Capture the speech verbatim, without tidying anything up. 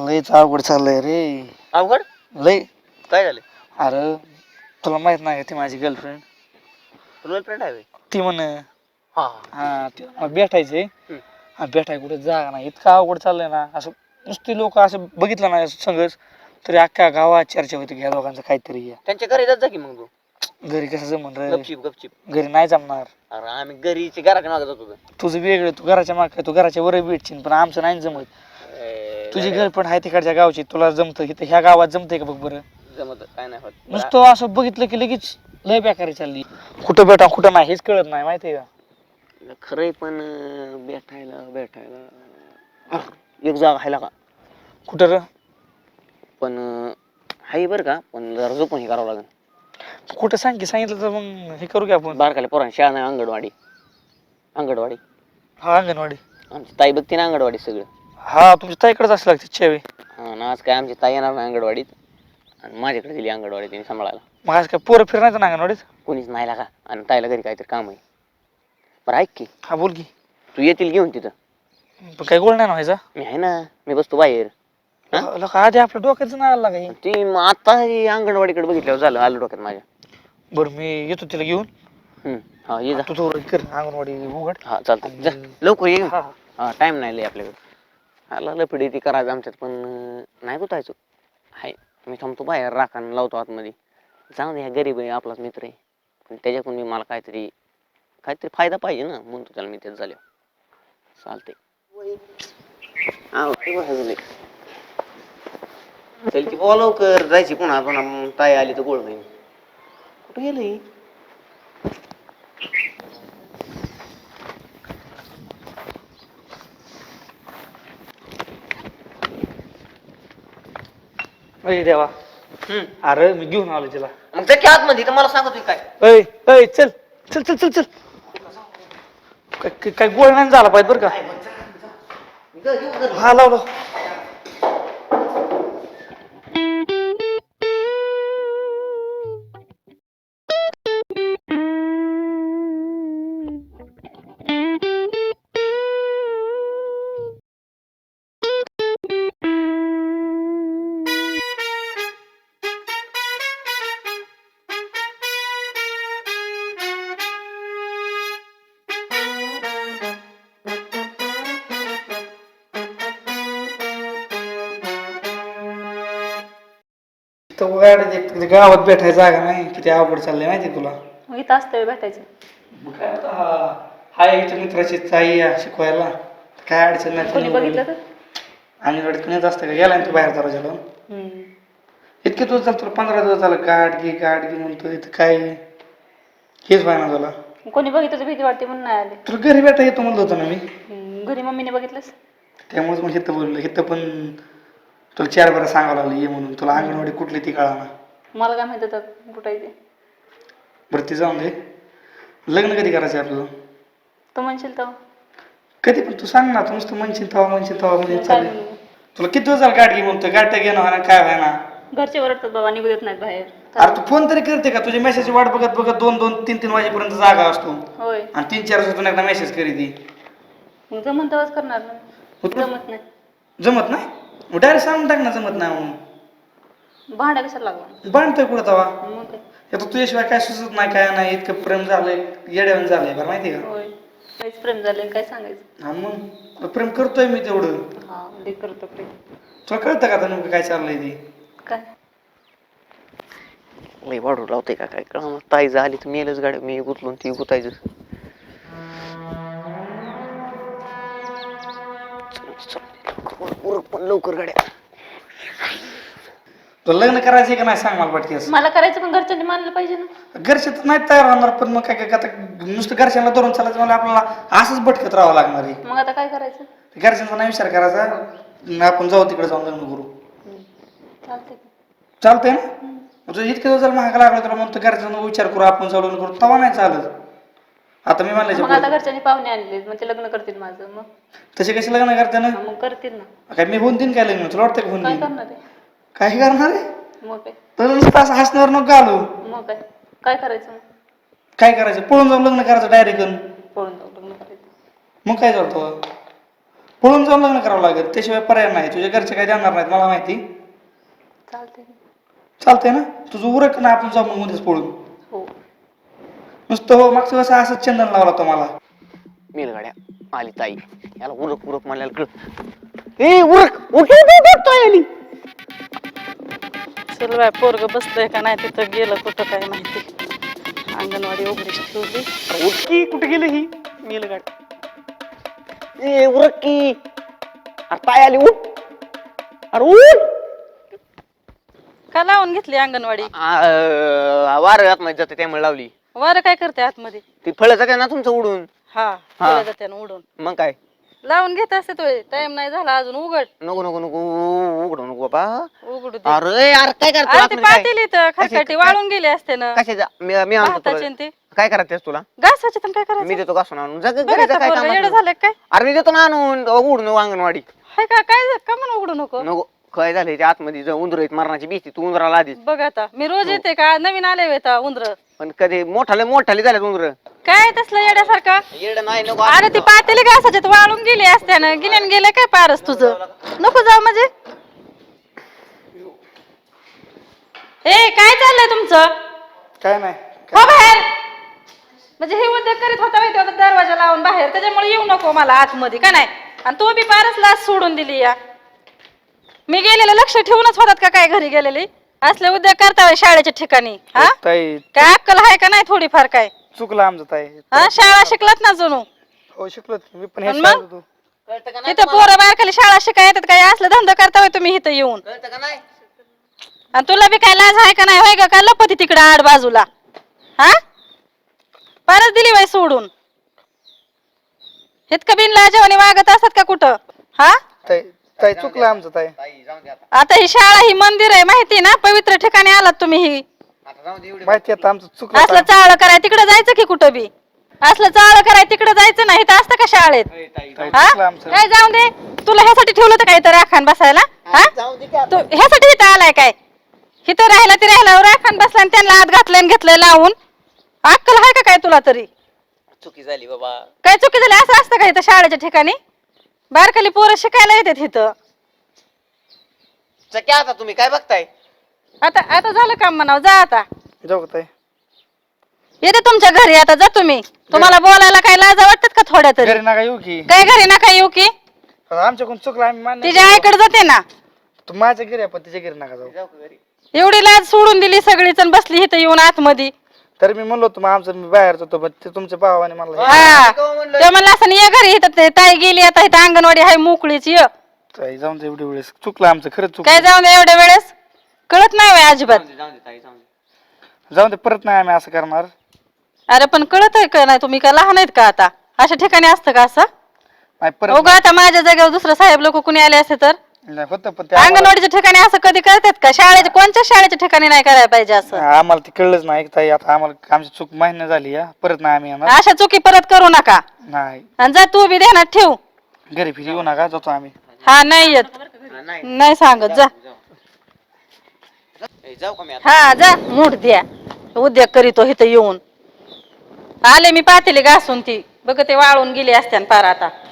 लयच अवघड चाललंय रे. अवघड लय. काय झालं? अरे तुला माहित नाही का ती माझी गर्लफ्रेंड. गर्लफ्रेंड आहे ती म्हण हा हा ती मला भेटायचे. हम्म. हा भेटाय कुठे जागा नाही, इतकं अवघड चाललंय ना. असं नुसती लोक असं बघितलं ना संघच तरी अख्ख्या गावात चर्चा होती की ह्या दोघांचं काहीतरी आहे. त्यांच्या घरी जात जा की मग तू. घरी कसं जमन रे, गपचिप गपचिप. घरी नाही जमणार. अरे आम्ही घरीची घराच्या मागे जातो. तुझं वेगळं, तू घराच्या माग तू घराच्या वर भेटशील, पण आमचं नाही जमत. तुझी गर्लफ्रेंड आहे तिकडच्या गावची, तुला जमतं इथं ह्या गावात जमतंय का बघ बरं. जमत काय नाही होत. नुसतं असं बघितलं की लगेच लय बेकारी चालली. कुठं भेटा कुठं नाही हेच कळत नाही, माहितीये का. खरंय पण अं, भेटायला भेटायला एक जागा आहे का कुठं र. पण अं, आहे बरं का, पण जरा झोपून हे करावं लागेल. कुठं सांग की, सांगितलं तर मग हे करू की आपण. बारकाले पोरांची शाळा नाही, अंगणवाडी. अंगणवाडी हा अंगणवाडी. आमची ताई बघते ना अंगणवाडी सगळं. हा तुमच्या ताईकडेच असं लागते चेवी. हा ना, आज काय आमची ताई येणार नाही अंगणवाडीत आणि माझ्याकडे दिली अंगणवाडी तिने सांभाळायला. मग आज काय पोरं फिरणार ना अंगणवाडीत. कोणीच नाही लागा आणि ताईला घरी काहीतरी काम आहे. बरं ऐक की, हा बोल की. तू येतील घेऊन तिथं. पण काही गोळ नाही ना व्हायचा. मी आहे ना, मी बसतो बाहेर. लोक आधी आपल्या डोक्याचं नाही आला काही. ती मग आता ही अंगणवाडीकडे बघितल्यावर झालं आलं डोक्यात माझ्या. बरं मी येतो तिला घेऊन. हम्म. हा ये जा. तू थोडं कर अंगणवाडी उघड. हा चालतं जा लवकर ये. हा हा टाइम नाही लय आपल्याकडे. आला लपडी ती करायचं आमच्यात पण अं, नाही गुतायचो. हाय मी थांबतो बाहेर राखान लावतो आतमध्ये. जाऊ दे, ह्या गरीब आहे आपलाच मित्र आहे, पण त्याच्याकडून मी मला काहीतरी काहीतरी फायदा पाहिजे ना, म्हणतो त्याला मी तेच झाले. चालते चल की बोला लवकर जायची, पुन्हा पुन्हा ताई आली तर गोळ होईल. कुठं गेलं अरे देवा. हम्म. अरे मी घेऊन आलो तिला. मग त्याच्या आतमध्ये तर मला सांगतोय काय. अय अय चल चल चल चल चल. काय- काय काय गोळ नाही झाला पाहिजे बरं का. हा लाव लाव. तो गाडी गावात भेटायची जागा नाही, किती अवघड चाललंय माहिती तुला. मग इथं असतं भेटायचं. मग काय आता हा हाय इथं मित्राची ताई आहे शिकवायला, काय अडचण नाही. कोणी बघितलं तर. अंगणवाडीत कुणीच असतं का, गेला ना तू बाहेर दरवाजाला. हम्म. इतके दिवस झालं तुला, पंधरा दिवस झालं गाठ घे गाठ घे म्हणतो, इथं काय हेच व्हायना तुला. कोणी बघितलं तर भीती वाटते म्हणून नाही आले. तुला घरी भेटा येतो म्हणलं होतं ना मी. हम्म. घरी मम्मीने बघितलंस. त्यामुळेच मग इथं बोललो, इथं पण तुला चार बरं सांगावं लागलं ये म्हणून. तुला अंगणवाडी कुठली ती कळाना. मला काय माहित होतं कुठं आहे ते. बरं ती जाऊन दे. लग्न कधी करायचं आहे आपलं. तू म्हणशील तर. कधी पण तू सांग ना, तू नुसतं म्हणशील तवा म्हणशील तवा म्हणजे काय चालेल. म्हणू? तुला किती दिवस झालं गाठ घे म्हणतो, गाठ घेणं व्हायना काय व्हायना. घरचे ओरडतात बाबा, निघू देत नाहीत बाहेर. अरे तू फोन तरी करते का, तुझे मेसेज वाट बघत बघत दोन दोन तीन तीन वाजेपर्यंत जागा असतो होय. आणि तीन चार वाजता एकदा मेसेज करी ती. मग जमन तेव्हाच करणार ना. होतं? जमत नाही. जमत नाही मग डायरेक्ट सांगून टाक ना जमत नाही म्हणून. भांडा कशाला लागला. बांधतोय कुठं तवा. मग काय. आता तुझ्याशिवाय काय सुचत नाही काय नाही, इतकं प्रेम झालंय येड्यावर झालंय बरं माहिती का. होय. काहीच प्रेम झालं काय सांगायचं. हा मग प्रेम करतोय मी तेवढं. हा ते करतो प्रेम. तुला कळतं का आता नेमकं काय चाललंय ते. काय लई वाढू लावते का काय कळा. ताई झाली तर मेलच गाडी, मी गुतलून ती गुतायचं. पण लवकर गाड्या. तुला लग्न करायचंय का नाही सांग मला पटकी. मला करायचं पण घरच्यांनी मानलं पाहिजे ना. घरचे तर नाही तयार होणार, पण मग काय काय आता नुसतं घरच्यांना धरून चालायचं मला, आपल्याला असंच भटकत राहावं लागणार आहे. मग आता काय करायचं. घरच्यांचा नाही विचार करायचा, आपण जाऊ तिकडे जाऊन लग्न करू. चालतंय. चालतंय ना. तुझं इतके दिवस झालं महाग लागला तुला, म्हणतो घरच्यांना विचार करू आपण जाऊ लग्न करू, तवा नाही चालत. आता मी मग आता म्हणलं घरच्यांनी पाहुणे आणले मग ते लग्न करतील माझं. मग तसे कसे लग्न करते ना. मग करतील ना. काय मी होऊन देईन काय लग्न, तुला वाटतं का होऊन काय देईन. करणार आहे. काय करणार आहे. मग काय. तर नुसतं असं हसण्यावर नको घालू. मग काय काय करायचं. मग काय करायचं, पळून जाऊन लग्न करायचं डायरेक्ट. पळून जाऊ लग्न करायचं. मग काय चालतं. पळून जाऊन लग्न करावं लागेल, त्याशिवाय पर्याय नाही. तुझ्या घरचे काय देणार नाहीत मला माहिती. चालते चालतंय ना, तुझं उरक ना, आपण जाऊ मग उद्याच पळून. हो. नुसतं हो मागच्या वेळेस असंच चंदन लावला तो मला. मेलगाड्या आली ताई, याला उरक उरक म्हणायला कळ. ए उरक उठ उठ उठ, ताई आली. चल बाय, पोरग बसलंय का नाही तिथं, गेलं कुठं काय माहिती. अंगणवाडी उघडीच ठेवली. अरे उठ की, कुठे गेलं ही मेलगाड. ए उरक की, अरे ताई आली, उठ. अरे उठ. का लावून घेतली अंगणवाडी? वार आतमध्ये जाते त्यामुळे लावली. वारं काय करते आतमध्ये? ती फळं जाते ना तुमचं उडून. हा, गेलं जाते ना उडून. मग काय लावून घेत असते तो, टाइम नाही झाला अजून, उघड. नको नको नको उघडू नको बाबा. उघडू दे. अरे यार काय करतो अरे ते आतमध्ये काय? पातेली तर खरकाटी वाळून गेले असते ना. कशाचा मी मी आणतो भाताचे तुला. न ते काय करायचं तुला? घासाचे तर काय मी करायचं? देतो घासून आणून. जा बघ घरी जा, आता काय पोरगं काम येडं असलं. झालं काय? अरे मी देतो ना आणून, उघडू नको अंगणवाडी. हाय का काय का म्हणून उघडू नको? नको काय झालंय त्या आतमध्ये जाऊन उंदर आहेत मरणाची भीती. तू उंदराला आधीच. बघ आता मी रोज येते का, नवीन आले येता उंदर? पण कधी मोठाले मोठाले झाले उंदर. काय तसलं येड्यासारखं? येडं नाही नको. अरे ती पातेली घासाच्यात वाळून गेली असते ना, गिन्यान गेलं काय पारस तुझं? नको जाऊ म्हणजे. ए काय चाललंय तुमचं? काय नाही. हो बाहेर. म्हणजे हे उद्योग करीत होता माहिती होता, दरवाजा लावून बाहेर, त्याच्यामुळे येऊ नको मला आतमध्ये का नाही. आणि तू बी पारस लाच सोडून दिली या. मी गेलेलं लक्ष ठेवूनच होतात का काय घरी गेलेली? असले उद्योग करता होय शाळेच्या ठिकाणी? हा ताई काय अक्कल आहे का नाही थोडीफार काय? चुकलं आमचं ताई. हा शाळा शिकलात ना जणू. हो शिकलो मी पण. हे आणि मग? शाळेत होतो. कळतं का नाही इथं पोरं बाहेर खाली शाळा शिकाय येतात काय? असलं धंदा करता होय तुम्ही इथं येऊन? कळतं का नाही? आणि तुला बी काय लाज आहे का नाही होय ग? काय लपती तिकडे आड बाजूला? हा परत दिली बाई सोडून. इतकं बिन लाजवानी वागत असतात का कुठं? हा ताई ताई चुकलं आमचं ताई. ताई जाऊन दे आता. आता ही शाळा ही मंदिर आहे माहिती ना, पवित्र ठिकाणी आलात तुम्ही. ही आता जाऊन दे एवढी. माहिती आहे आमचं चुकलं असलं ताई. चाळ कराय तिकडे जायचं की कुठं बी? असलं चाळ कराय तिकडे जायचं नाही, इथं असतं का शाळेत? ए, ताई ताई हा चुकलं आमचं. काय जाऊन दे. तुला ह्यासाठी ठेवलं होतं काय इथं राखान बसायला? हा जाऊन दे की आता. तू ह्यासाठी इथं आलाय काय? इथं राहिला ती राहिला राखान बसला आणि त्यांना आत घातलंय आणि घेतलंय लावून. अक्कल आहे का काय तुला तरी? चुकी झाली बाबा. काय चुकी झाली? असं असतं का इथं शाळेच्या ठिकाणी? बारकाली पोरं शिकायला येतात इथं. चक्या आता तुम्ही काय बघताय? आता आता झालं काम म्हणावं, जा आता. जाऊ का ताई? येते तुमच्या घरी आता, जा तुम्ही. तुम्हाला बोलायला काय लाजा वाटतात का थोड्या तरी? घरी नका येऊ की. काय घरी ना काय येऊ की? आमच्याकडून चुकलं आम्ही मान्य. तिच्या आईकडे जाते ना. तू माझ्या घरी आहे पण तिच्या घरी नका जाऊ. जाऊ का घरी? एवढी लाज सोडून दिली सगळीच आणि बसली इथं येऊन आतमध्ये. तर मी म्हणलो होतो मग आमचं मी बाहेर जातो पण ते तुमच्या भावाने मला हा केव्हा म्हणलं? ते म्हणलं असं ये घरी, इथं ते ताई गेली आता, इथं अंगणवाडी आहे मोकळीच, ये. ताई जाऊन दे एवढी वेळेस. चुकलं आमचं खरंच चुकलं. काय जाऊन दे एवढ्या वेळेस? कळत नाही वय अजिबात. जाऊन दे, जाऊन दे ताई, जाऊन दे. जाऊन दे परत नाही आम्ही असं करणार. अरे पण कळत आहे का नाही? तुम्ही का लहान आहेत का आता? अशा ठिकाणी असतं का असं? नाही परत हो आता माझ्या जागेवर दुसरं साहेब लोक कुणी आले असते तर? नाही होतं पण ते आम्हाला- अंगणवाडीच्या ठिकाणी असं कधी करतात का? शाळेच्या कोणत्या शाळेच्या ठिकाणी नाही करायला पाहिजे असं? आम्हाला ते कळलंच नाही ताई. आता आम्हाला आमची चूक मान्य झाली या परत नाही आम्ही येणार. अशा चुकी परत करू नका. नाही आणि जा तू बी ध्यानात ठेव. घरी फिरी येऊ नका, जातो आम्ही. हा नाही येत, हा, नाही नाही सांगत, जा. ए, जाऊ का मी आता? हा जा, मूठ द्या. उद्योग करीतो इथं येऊन. आले मी पातेली घासून ती बघ, ते वाळून गेली असत्यान पार आता.